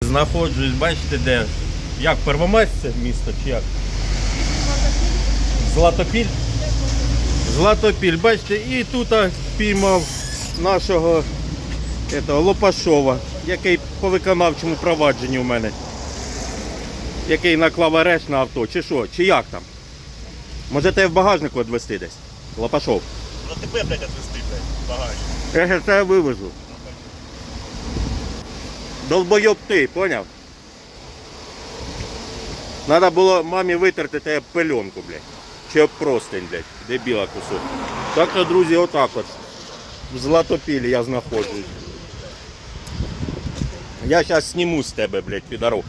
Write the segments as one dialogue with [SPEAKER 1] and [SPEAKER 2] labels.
[SPEAKER 1] Знаходжусь, бачите де? Як, Первомайськ це місто чи як? Златопіль? Златопіль, бачите, і тут піймав нашого Лопашова, який по виконавчому провадженню у мене. Який наклав арешт на авто, чи що, чи як там? Може тебе в багажнику відвезти десь? Лопашов.
[SPEAKER 2] Ну тебе, блядь, відвезти, блядь, багажник.
[SPEAKER 1] Я тебе вивезу. Долбойоб ти, поняв? Надо було мамі витерти тебе пеленку, блядь. Чи об простень, блядь, дебіла кусок. Так що, друзі, отак от. В Златопілі я знаходжусь. Я зараз зніму з тебе, блядь, підорок.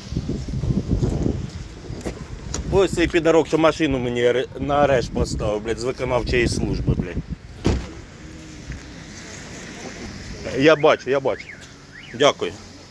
[SPEAKER 1] Ось цей підорок, що машину мені на арешт поставив, блядь, з виконавчої служби, блядь. Я бачу. Дякую.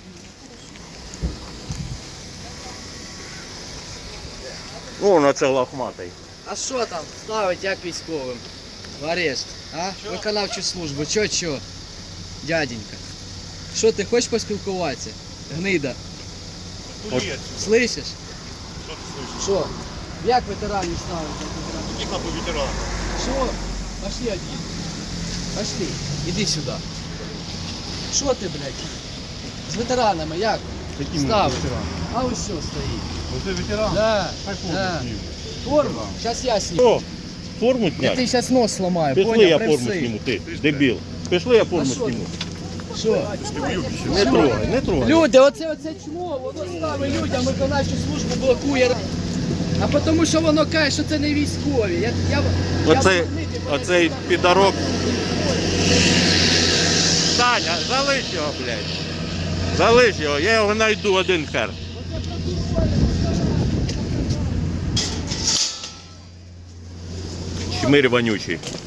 [SPEAKER 1] О, на це лохматий.
[SPEAKER 3] А що там ставить як військовим? В арешт, а? Виконавчу службу, чо? Дяденька. Що ти хочеш поспілкуватися? Гнида.
[SPEAKER 2] От.
[SPEAKER 3] Слышиш?
[SPEAKER 2] Що ти слышиш?
[SPEAKER 3] Що? Як ветеранів ставить?
[SPEAKER 2] Який хлопець ветеран?
[SPEAKER 3] Що? Пошли один. Пошли. Іди сюди. Що ти, блядь? З ветеранами як? Ставить. А ось все стоїть.
[SPEAKER 2] Оце ветеран?
[SPEAKER 3] Да. Да. Форму? Зараз я сніму.
[SPEAKER 1] О, форму
[SPEAKER 3] Я
[SPEAKER 1] зняти?
[SPEAKER 3] тобі зараз нос сломаю,
[SPEAKER 1] Пішли,
[SPEAKER 3] поняв?
[SPEAKER 1] я
[SPEAKER 3] При
[SPEAKER 1] форму
[SPEAKER 3] всіх.
[SPEAKER 1] зніму, ти, дебіл. Пішли, я форму
[SPEAKER 3] А що
[SPEAKER 1] зніму.
[SPEAKER 3] Що?
[SPEAKER 1] Не трогай.
[SPEAKER 3] Люди, оце чмо, воно ставить людям виконавчу службу, блокує. А тому що воно каже, що це не військові.
[SPEAKER 1] Оцей підорок. Таня, залиш його, блядь. Залиш його, я його знайду один хер. Чмирь вонючий.